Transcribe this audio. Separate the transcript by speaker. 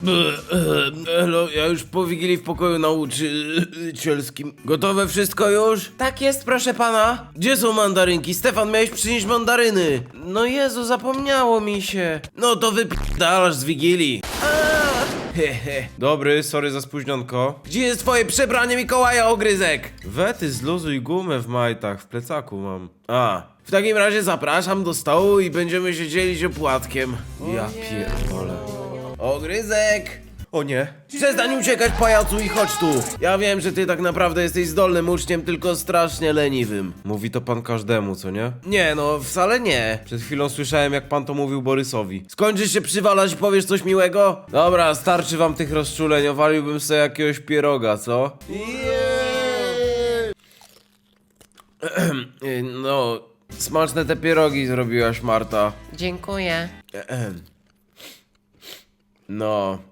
Speaker 1: Elo, ja już po Wigilii w pokoju nauczycielskim. Gotowe wszystko już? Tak jest, proszę pana. Gdzie są mandarynki? Stefan, miałeś przynieść mandaryny. No Jezu, zapomniało mi się. No to wypierdalasz z Wigilii. Hehe. Dobry, sorry za spóźnionko. Gdzie jest twoje przebranie Mikołaja, ogryzek? Wety, zluzuj gumę w majtach, w plecaku mam. W takim razie zapraszam do stołu i będziemy się dzielić opłatkiem. Ja pierdolę. Ogryzek! O nie. Przestań uciekać, pajacu, i chodź tu. Ja wiem, że ty tak naprawdę jesteś zdolnym uczniem, tylko strasznie leniwym. Mówi to pan każdemu, co nie? Nie, no wcale nie. Przed chwilą słyszałem, jak pan to mówił Borysowi. Skończysz się przywalać i powiesz coś miłego? Dobra, starczy wam tych rozczuleń, owaliłbym sobie jakiegoś pieroga, co? No, smaczne te pierogi zrobiłaś, Marta.
Speaker 2: Dziękuję.
Speaker 1: No,